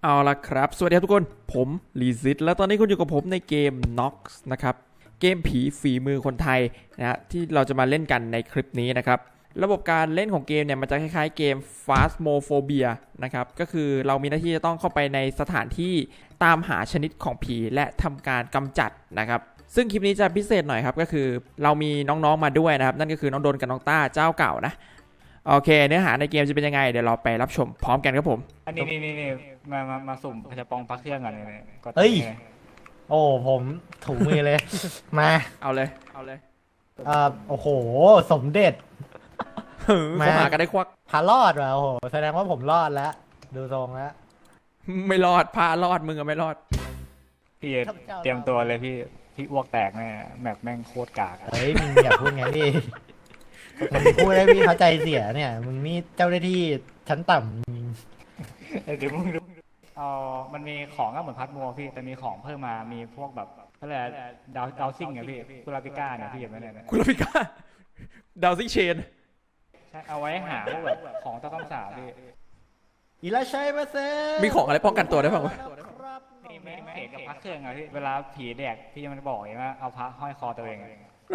เอาละครับสวัสดีครับทุกคนผมลีซิตแล้วตอนนี้คุณอยู่กับผมในเกม Nox นะครับเกมผีฝีมือคนไทยนะฮะที่เราจะมาเล่นกันในคลิปนี้นะครับระบบการเล่นของเกมเนี่ยมันจะคล้ายๆเกม Phasmophobia นะครับก็คือเรามีหน้าที่จะต้องเข้าไปในสถานที่ตามหาชนิดของผีและทำการกำจัดนะครับซึ่งคลิปนี้จะพิเศษหน่อยครับก็คือเรามีน้องๆมาด้วยนะครับนั่นก็คือน้องโดนกับน้องต้าเจ้าเก่านะโอเคเนื้อหาในเกมจะเป็นยังไงเดี๋ยวเราไปรับชมพร้อมกันครับผมอันนี้มาสุ่มจะปองพักเครื่องก่อนเลยก็เฮ้ย โอ้ผมถูมือเลย มาเอาเลยโอ้โห สมเด็จเขาหากันได้ควักพารอดว่ะโอ้โห แสดงว่าผมรอดแล้ว ดูทรงแล้วไม่รอดพารอดมึงอะไม่รอดพี่เตรียมตัวเลยพี่อ้วกแตกแน่แมปแม่งโคตรกากเฮ้ยมึงอย่าพูดงั้นดิผมพูดได้พี่เขาใจเสียเนี่ย มึงนี่เจ้าหน้าที่ชั้นต่ำเดี๋ยวมึงดูมันมีของก็เหมือนพัดมัวพี่แต่มีของเพิ่มมามีพวกแบบอะไรดาวซิ่งไงพี่คุราปิก้าเนี่ยพี่เห็นไหมเนี่ยคุณลาพิก้าดาวซิงเชนใช่เอาไว้หาพวกแบบของต้องสาบพี่อิราชัยมาเซมีของอะไรป้องกันตัวได้บ้างวะนี่ไม่เห็นกับพักเครื่องอะพี่เวลาผีแดกพี่มันบอกว่าเอาพระห้อยคอตัวเอง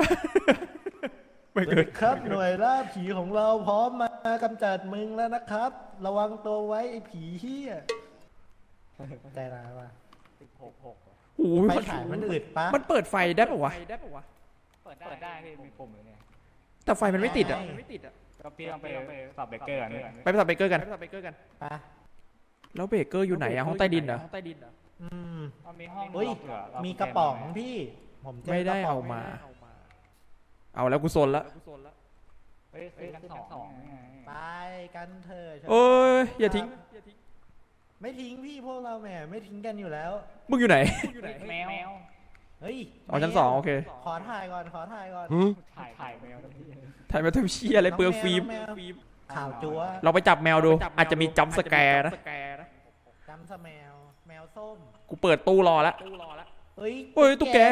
ไม่เกิดครับหน่วยล่าผีของเราพร้อมมากำจัดมึงแล้วนะครับ ระวังตัวไว้ไอ้ผีเหี้ยใจร้ายว่ะโอ้ยไฟฉายมันอึดปะมันเปิดไฟได้ปะวะเปิดได้พี่มีปุ่มอยู่เนี่ยแต่ไฟมันไม่ติดอ่ะก็พี่ต้องไปสับเบเกอร์นี่ไปสับเบเกอร์กันปะแล้วเบเกอร์อยู่ไหนอะห้องใต้ดินเหรอมีห้องมีกระป๋องพี่ผมไม่ได้เอามาเอาแล้วกูโซนละกันสองไปกันเถอะโอ้ยอย่าทิ้งไม่ทิ้งพี่พวกเราแหมไม่ทิ้งกันอยู่แล้วมึงอยู่ไหนแมวเฮ้ยอ๋อชั้น2โอเคขอถ่ายก่อนถ่ายแมวถ่ายมาทำเชี่ยอะไรเปลืองฟิล์มข่าวจั๊วเราไปจับแมวดูอาจจะมีจัมป์สแกร์นะจัมป์สแแมวส้มกูเปิดตู้รอแล้วเฮ้ยตุ๊กแก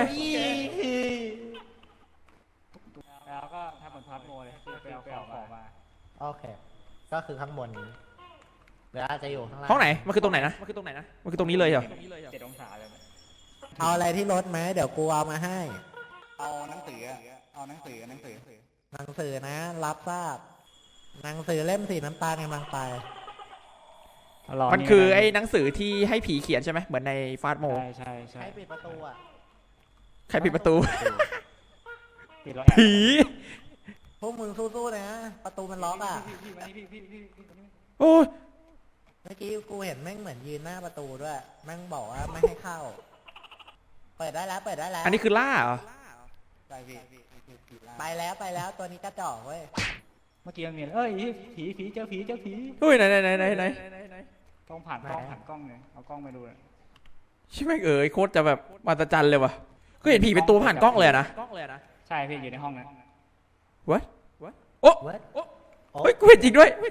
แล้วก็ทำเหมือนพัดโมเลยไปเอาของมาโอเคก็คือข้างบนนี้เดี๋ยวจะอยู่ข้างล่างห้องไหนมันคือตรงไหนนะมันคือตรงนี้เลยเหรอ 7 องศาเลยเอาอะไรที่รถไหมเดี๋ยวกูเอามาให้เอาหนังสือหนังสือนะรับทราบหนังสือเล่มสีน้ำตาลกำลังไปมันคือไอ้หนังสือที่ให้ผีเขียนใช่ไหมเหมือนในฟาสโมใช่ใครปิดประตูอ่ะใครปิดประตูผีพวกมึงสู้ๆนะประตูมันล็อกอ่ะโอ้ยเมื่อกี้กูเห็นแม่งเหมือนยืนหน้าประตูด้วยแม่งบอกว่าไม่ให้เข้าเปิดได้แล้วอันนี้คือล่าเหรอไปแล้วตัวนี้กระจอกเว้ยเมื่อกี้มันมีเอ้ยผีเจอผีเฮ้ยไหนต้องผ่านกล้องเลยเอากล้องไปดูเลยใช่ไหมโคตรจะแบบมหัศจรรย์เลยว่ะก็เห็นผีเป็นตัวผ่านกล้องเลยนะใช่พี่อยู่ในห้องนั้น What โอ้เฮ้ยกูเห็นจริงด้วย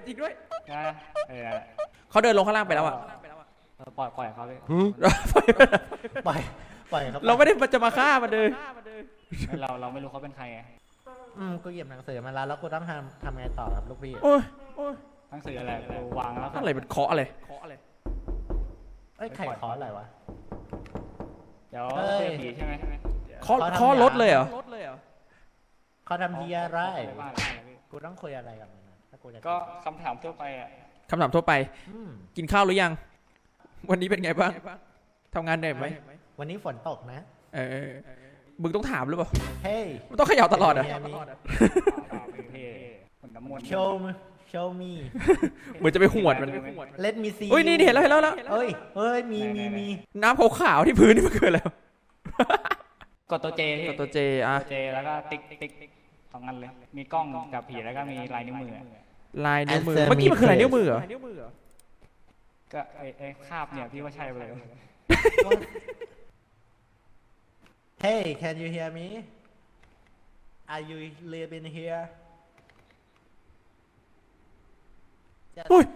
เขาเดินลงข้างล่างไปแล้วอ่ะปล่อยเขาเลยปล่อยครับเราไม่ได้จะมาฆ่ามันเลยเราไม่รู้เขาเป็นใครกูหยิบหนังสือมาแล้วกูต้องทำไงต่อครับลูกพี่โอ้ยหนังสืออะไรกูวางแล้วอะไรเป็นเคาะอะไรเอ้ยไข่เคาะอะไรวะเดี๋ยวผีใช่ไหมเคาะรถเลยเหรอเขาทำดีอะไรกูต้องคุยอะไรกับมันก็คำถามทั่วไปคำถามทั่วไปกินข้าวหรือยังวันนี้เป็นไงบ้างทำงานเหนื่อยไหมวันนี้ฝนตกนะมึงต้องถามหรือเปล่าเฮ้ยมึงต้องเขย่าตลอดอ่ะโชว์มีเหมือนจะไปหวดมันเล่นมีซีเฮ้ยนี่เห็นแล้วเฮ้ยมีน้ำขาวๆที่พื้นนี่มันเกิดแล้วกดตัวเจแล้วก็ติ๊กสองอันเลยมีกล้องกับผีแล้วก็มีลายนิ้วมือเมื่อกี้มันคือลายนิ้วมือเหรอก็ไอ้คาบเนี่ยพี่ว่าใช่เลย Hey can you hear me Are you living here โอ้ย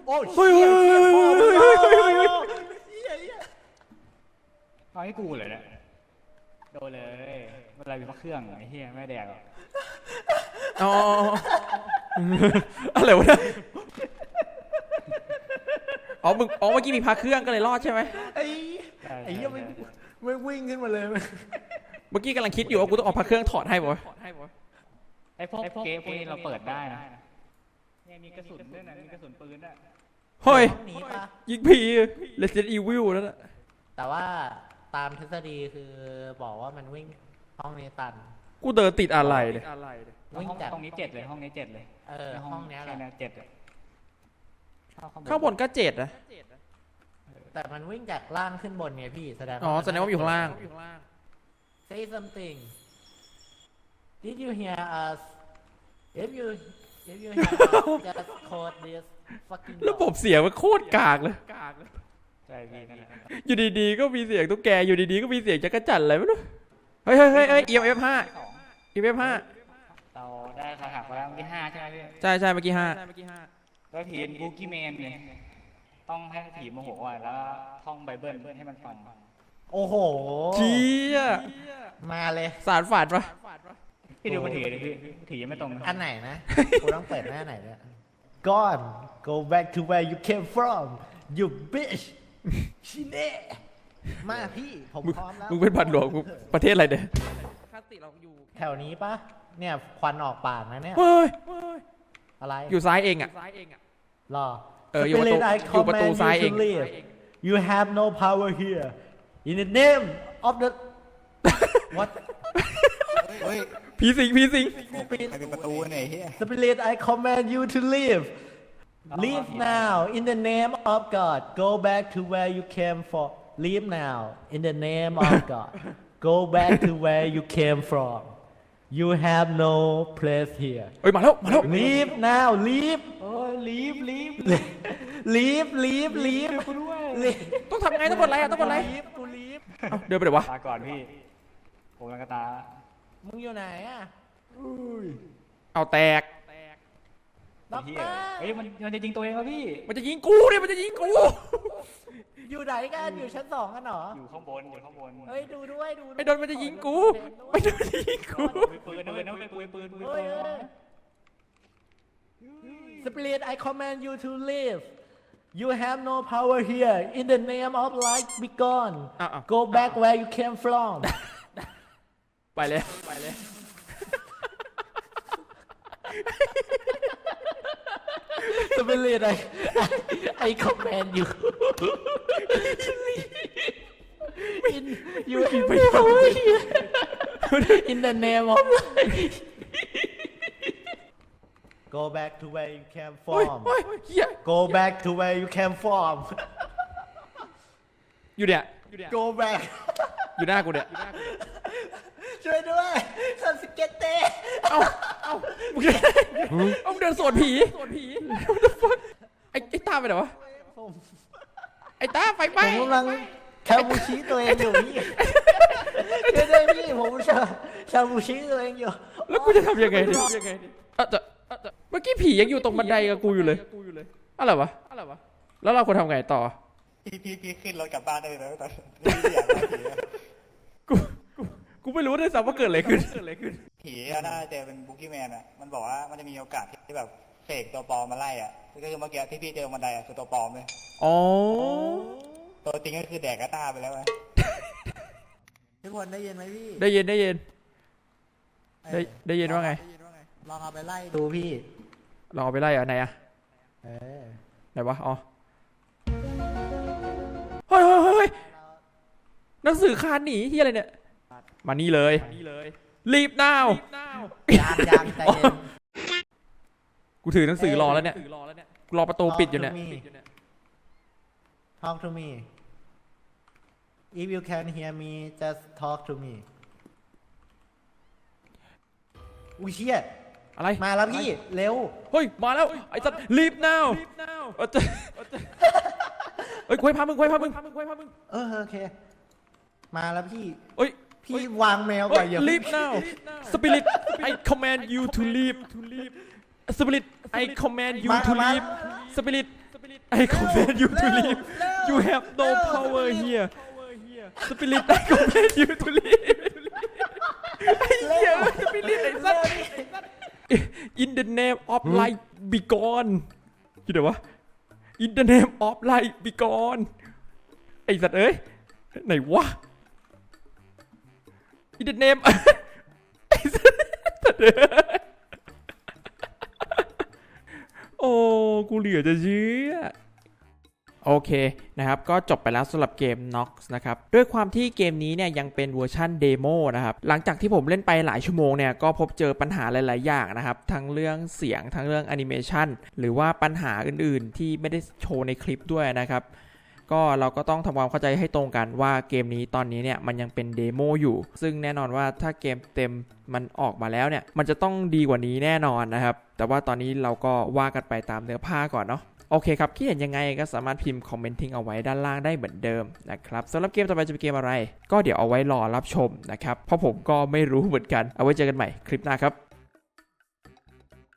เอาให้กูเลยเนี่ยโดนเลยเวลามีพระเครื่องไอ้เหี้ยไม่แดกอ๋ออะไรวะเนี่ยอ๋อมึงอ๋อเมื่อกี้มีพักเครื่องก็เลยรอดใช่ไหมไอ้ไอ้เหี้ยไม่วิ่งขึ้นมาเลยเมื่อกี้กำลังคิดอยู่ว่ากูต้องเอาพักเครื่องถอดให้ป่ะไอ้พวกเกมพวกนี้เราเปิดได้นะเนี่ยมีกระสุนด้วยนะมีกระสุนปืนด้วยเฮ้ยห้องนี้ปะยิงผี Resident Evil นั่นแหละแต่ว่าตามทฤษฎีคือบอกว่ามันวิ่งห้องนี้ตันกูเดินติดอะไรเลยวิ่งห้องจากตรงนี้7เลยห้องนี้7เลยห้องเนี้ยแหละแค่7เลยข้างบนก็7นะแต่มันวิ่งจากล่างขึ้นบนไงพี่แสดงอ๋อแสดงว่าอยู่ข้างล่าง Say something Did you hear us If you hear us just code this fucking ระบบเสียงมันโคตรกากเลยใช่พี่นั่นแหละอยู่ดีๆก็มีเสียงตุ๊กแกอยู่ดีๆก็มีเสียงจักรจั่นอะไรไม่รู้เฮ้ยเฮ้ยเฮ้ยเฮ้ย EMF 5 EMF 5 เราได้คาถาไปแล้วที่5ใช่ไหมพี่ใช่ใช่เมื่อกี้5 แล้วผีบูกี้แมนเนี่ยต้องให้ผีโมโหอ่ะแล้วท่องไบเบิลให้มันฟังโอ้โหเจี๊ยมาเลยสารฝันปะพี่ดูมันถือเลยพี่ถือยังไม่ตรงอันไหนนะ กูต้องเปิดหน้าไหนเนี่ย Gone go back to where you came from you bitch ชิเน่มาพี่ผมพร้อมแล้วมึงเป็นบัตรหลวงกูประเทศอะไรเนี่ยแถวนี้ปะเนี่ยควันออกปากนะเนี่ยเฮ้ยอะไรอยู่ซ้ายเองอ่ะรออยู่ประตู Spirit, I อยู่ประตู command ซ้าย you เอง to leave. You have no power here in the name of the what ผีสิงผีสิงเป็นประตูไหนเฮีย Spirit I command you to leave leave now in the name of God go back to where you came from leave now in the name of God go back to where you came from you have no place here เฮ้ยมาแล้วมาแล้ว leave now leave โอ้ย leave leave leave leave leave ต้องทำไงต้องกดอะไรอ่ะต้องกดอะไร leave กู leave เอ้าเดินไปไหนวะตาก่อนพี่ผมกำลังกระตามึงอยู่ไหนอ่ะเอาแตกด็อกเฮีเตยอร์เฮ้ยมันจะยิงตัวเองครับพี่มันจะยิงกูเนี่ยมันจะยิงกูอยู่ไหนกันอยู่ชั้น2กันเหรออยู่ข้างบนอยู่ข้างบนเฮ้ยดูด้วยดูไอ้โดนมันจะยิงกูไอ้โดนมันจะยิงกูมีปืนเลยนะไปปืนเฮ้ยสปิริต I command you to leave you have no power here in the name of light be gone อ่ะ go back where you came from ไปเลยสปิริต I command you in you have no power here in the name of light go back to where you came โอ้ย from โอ้ยเฮีย go back to where you came from อยู่เนี่ย go back อยู่หน้ากูเนี่ยช่วยด้วยซันสเก็ตเต้เอ้ามึงเดินเอามึงเดินสวนผี What the fuck ไอ้ตาไปไหนวะผมไอ้ตาไฟไหม้กำลังชาบูชิตัวเองอยู่พี่ช่วยด้วยพี่ผมชาบูชิตัวเองอยู่แล้วกูจะทำยังไงดิเมื่อกี้ผียังอยู่ตรงบันไดกับกูอยู่เลยอะไรวะแล้วเราควรทำไงต่อพี่ขึ้นรถกลับบ้านได้เลยนะตอนนี้อยากได้ผีอะกูไม่รู้ด้วยซ้ำว่าเกิดอะไรขึ้นผีอะน่าจะเป็นบุกี้แมนอะมันบอกว่ามันจะมีโอกาสที่แบบเสกตัวปลอมมาไล่อะก็คือเมื่อกี้ที่พี่เจอบันไดอะคือตัวปลอมเลยอ๋อตัวจริงก็คือแดกกระต้าไปแล้วไงทุกคนได้ยินไหมพี่ได้ยินได้ยินว่าไงลองเอาไปไล่ดูพี่ลองเอาไปไล่เหรอไหนอะเออไหนวะอ๋อเฮ้ยหนังสือคานหนีที่อะไรเนี่ยมานี่เลยรีบ now ยางใจเย็นกูถือหนังสือรอแล้วเนี่ยรอประตูปิดอยู่เนี่ย Talk to me if you can hear me just talk to me อุ้ยเชี่ยอะไรมาแล้วพี่เร็วเฮ้ยมาแล้วไอ้สัตว์รีบ now เฮ้ยคุยพามึงโอเค มาแล้วพี่เฮ้ยพี่วางแมวเฮ้ก่อย นอย่า leave now spirit I command you to leave spirit I command you to leave spirit I command you to leave you have no power here spirit I command you to leave ไอ้เหี้ย spirit ไอ้สัตว์ in the name of light be gone คิดเดี๋ยววะ In the name of light be gone ไอ้สัตว์เอ้ยไหนวะ In the name ไอ้สัตว์เอ้ยโอ้กูเหลือจะเชื่อโอเคนะครับก็จบไปแล้วสำหรับเกม Nox นะครับด้วยความที่เกมนี้เนี่ยยังเป็นเวอร์ชันเดโมนะครับหลังจากที่ผมเล่นไปหลายชั่วโมงเนี่ยก็พบเจอปัญหาหลายๆอย่างนะครับทั้งเรื่องเสียงทั้งเรื่องแอนิเมชันหรือว่าปัญหาอื่นๆที่ไม่ได้โชว์ในคลิปด้วยนะครับก็เราก็ต้องทำความเข้าใจให้ตรงกันว่าเกมนี้ตอนนี้เนี่ยมันยังเป็นเดโมอยู่ซึ่งแน่นอนว่าถ้าเกมเต็มมันออกมาแล้วเนี่ยมันจะต้องดีกว่านี้แน่นอนนะครับแต่ว่าตอนนี้เราก็ว่ากันไปตามเนื้อผ้าก่อนเนาะโอเคครับคิดเห็นยังไงก็สามารถพิมพ์คอมเมนต์ทิ้งเอาไว้ด้านล่างได้เหมือนเดิมนะครับสำหรับเกมต่อไปจะเป็นเกมอะไรก็เดี๋ยวเอาไว้รอรับชมนะครับเพราะผมก็ไม่รู้เหมือนกันเอาไว้เจอกันใหม่คลิปหน้าครับ